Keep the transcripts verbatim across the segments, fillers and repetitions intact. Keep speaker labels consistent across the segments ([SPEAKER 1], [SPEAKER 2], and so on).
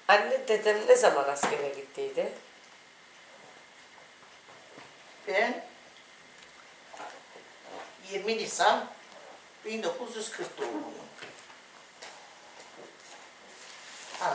[SPEAKER 1] Anne dedem ne zaman askere gittiydi?
[SPEAKER 2] Ben yirmi Nisan bin dokuz yüz kırk doğumluyum. Ha.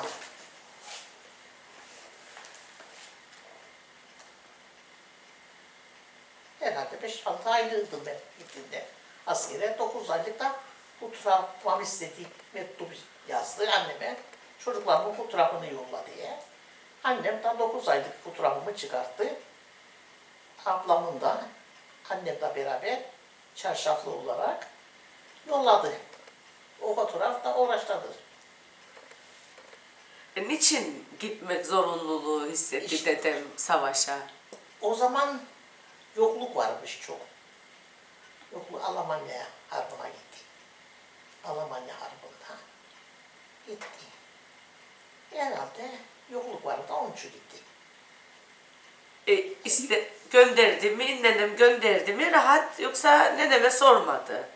[SPEAKER 2] Herhalde beş altı aylıydım ben gittiğimde. Askere dokuz aylık da fotoğrafımı istediği mektup yazdı anneme. Çocuklarımın fotoğrafını yolla diye. Annem de dokuz aylık fotoğrafımı çıkarttı. Ablamın da annemle beraber çarşaflı olarak yolladı. O fotoğraf da uğraştadır.
[SPEAKER 1] E, niçin gitmek zorunluluğu hissetti
[SPEAKER 2] İşte-
[SPEAKER 1] dedem savaşa?
[SPEAKER 2] O zaman yokluk varmış çok. Yokluk Almanya Harbi'ne gitti. Almanya Harbi'nde gitti. Herhalde yokluk vardı, onun için gitti.
[SPEAKER 1] E, iste, gönderdi mi, nenem gönderdi mi rahat yoksa neneme sormadı?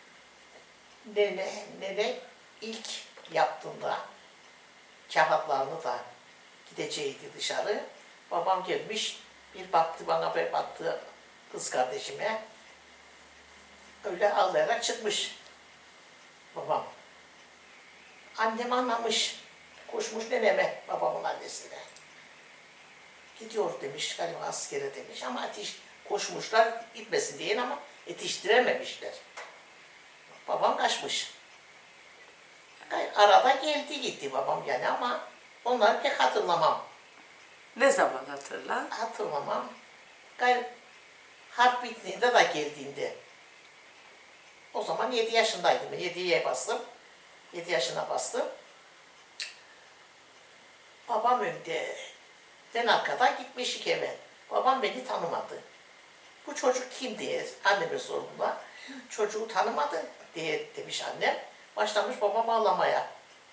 [SPEAKER 2] Nene, nene ilk yaptığında kağıtlarını da gideceğiydi dışarı. Babam gelmiş, bir baktı bana, bir baktı kız kardeşime. Öyle ağlayarak çıkmış babam. Annem anlamış, koşmuş neneme, babamın annesine. Gidiyor demiş, galiba askere demiş ama ateş koşmuşlar gitmesin diye ama yetiştirememişler. Babam kaçmış. Arada geldi gitti babam yani ama onları pek hatırlamam.
[SPEAKER 1] Ne zaman hatırla?
[SPEAKER 2] Hatırlamam. Gayr harp bittiğinde de geldiğinde. O zaman yedi yaşındaydım. yediye bastım. yedi yaşına bastım. Babam önde. Ben arkada gitmişik eve. Babam beni tanımadı. Bu çocuk kim diye anneme sorduğumda çocuğu tanımadı diye demiş annem. Başlamış babam ağlamaya.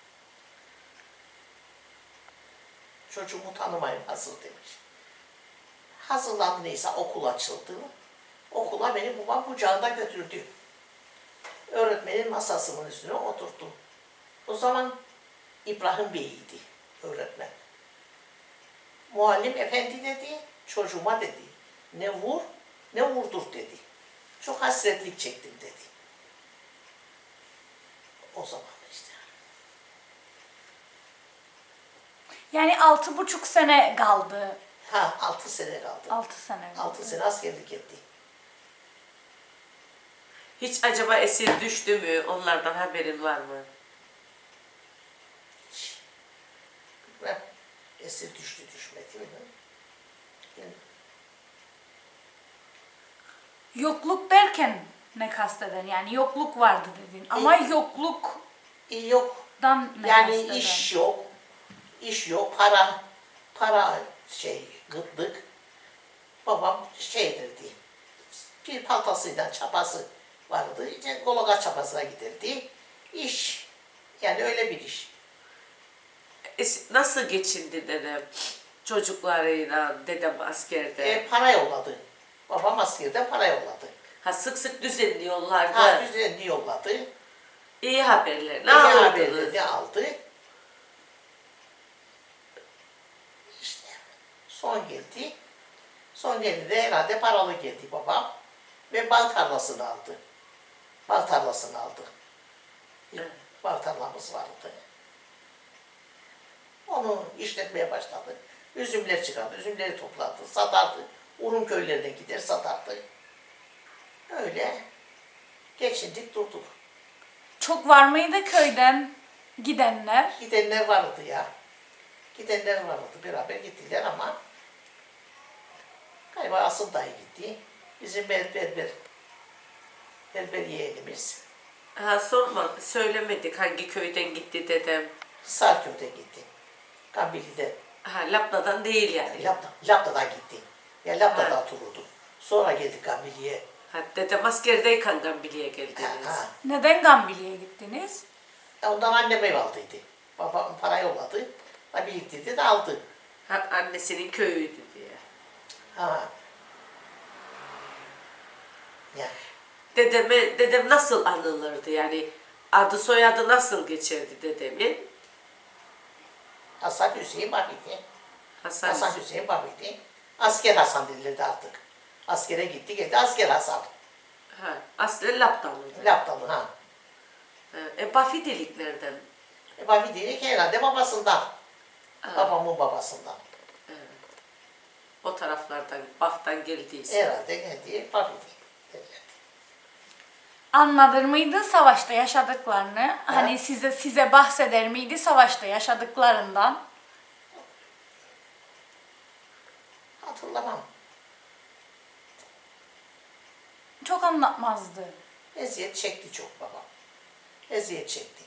[SPEAKER 2] Çocuğumu tanımayın hazır demiş. Hazırlandı neyse okul açıldı. Okula beni babam kucağında götürdü. Öğretmenin masasının üstüne oturttu. O zaman İbrahim Bey'iydi öğretmen. Muallim efendi dedi, çocuğuma dedi. Ne vur, ne vurdur dedi. Çok hasretlik çektim dedi. O zaman işte.
[SPEAKER 3] Yani altı buçuk sene kaldı.
[SPEAKER 2] Ha, altı sene kaldı.
[SPEAKER 3] Altı sene.
[SPEAKER 2] Altı sene askerlik etti.
[SPEAKER 1] Hiç acaba esir düştü mü? Onlardan haberin var mı?
[SPEAKER 2] Hiç. Bilmem. Esir düştü düşmedi mi? Bilmem.
[SPEAKER 3] Yokluk derken ne kasteden? Yani yokluk vardı dedin. Ama
[SPEAKER 2] İyi.
[SPEAKER 3] yokluktan
[SPEAKER 2] İyi yok.
[SPEAKER 3] ne
[SPEAKER 2] Yani
[SPEAKER 3] kasteden?
[SPEAKER 2] iş yok. İş yok. Para. Para şey gıtlık. Babam şeydirdi. Bir paltasıyla çapası vardı. İşte Gologa çapasına giderdi. İş. Yani öyle bir iş.
[SPEAKER 1] Es- nasıl geçindi dedem? Çocuklarıyla dedem askerde.
[SPEAKER 2] E, para yolladı. Babam askerden para yolladı.
[SPEAKER 1] Ha sık sık düzenliyorlardı.
[SPEAKER 2] Ha düzenli yolladı.
[SPEAKER 1] İyi haberler. Ne
[SPEAKER 2] İyi
[SPEAKER 1] alırdınız?
[SPEAKER 2] haberleri aldı. İşte son geldi. Son geldi de herhalde paralı geldi babam. Ve bal tarlasını aldı. Bal tarlasını aldı. Bir
[SPEAKER 1] Evet.
[SPEAKER 2] bal tarlamız vardı. Onu işletmeye başladı. Üzümler çıkardı, üzümleri topladı, satardı. Urun köylerine gider satardı. Öyle geçindik durduk.
[SPEAKER 3] Çok var mıydı köyden gidenler?
[SPEAKER 2] Gidenler vardı ya. Gidenler vardı. Beraber gittiler ama galiba asıl dayı gitti. Bizim ber, berber, berber yeğenimiz
[SPEAKER 1] Ha sorma, söylemedik hangi köyden gitti dedem.
[SPEAKER 2] Sarköy'de gitti. Kambili'de.
[SPEAKER 1] Ha Lapna'dan değil yani.
[SPEAKER 2] Lapta, Lapta'dan gitti. Ya Lapta'da
[SPEAKER 1] Ha.
[SPEAKER 2] otururdu. Sonra geldik Kambili'ye.
[SPEAKER 1] Ha dedem askerdeyken Gambili'ye
[SPEAKER 2] Ha,
[SPEAKER 1] geldiniz.
[SPEAKER 2] ha.
[SPEAKER 3] Neden Gambili'ye gittiniz?
[SPEAKER 2] Ondan annem ev aldıydı. Babam para yolladı. Ha, biriktirdi de aldı.
[SPEAKER 1] Ha annesinin köyüydü diye.
[SPEAKER 2] Ha. Ya.
[SPEAKER 1] Dedeme, dedem nasıl anılırdı yani? Adı soyadı nasıl geçerdi dedemin?
[SPEAKER 2] Hasan Hüseyin Babidi.
[SPEAKER 1] Hasan,
[SPEAKER 2] Hasan Hüseyin Babidi. Asker Hasan denilirdi artık. Askere gitti geldi asker Hasan.
[SPEAKER 1] Ha, aslen Laptalıydı.
[SPEAKER 2] Laptalı ha.
[SPEAKER 1] E, e Bafidilik nereden?
[SPEAKER 2] E, Babidi herhalde babasından.
[SPEAKER 1] Ha,
[SPEAKER 2] Babamın babasından.
[SPEAKER 1] o taraflardan, Baf'tan geldiyse.
[SPEAKER 2] Herhalde geldi Babidi. derlerdi.
[SPEAKER 3] Anlatır mıydı savaşta yaşadıklarını? Hani size size bahseder miydi savaşta yaşadıklarından?
[SPEAKER 2] Hatırlamam.
[SPEAKER 3] Çok anlatmazdı.
[SPEAKER 2] Eziyet çekti çok babam. Eziyet çekti.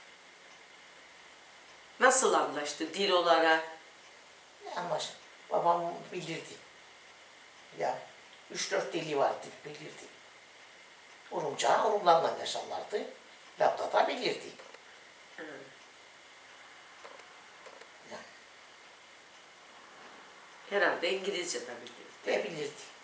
[SPEAKER 1] Nasıl anlaştı dil olarak?
[SPEAKER 2] Ama babam bilirdi. Ya üç dört dili vardı bilirdi. Urumca, Urumlarla yaşarlardı. Lapta da bilirdi.
[SPEAKER 1] Herhalde İngilizce de biliyor.
[SPEAKER 2] Ve bilirdi.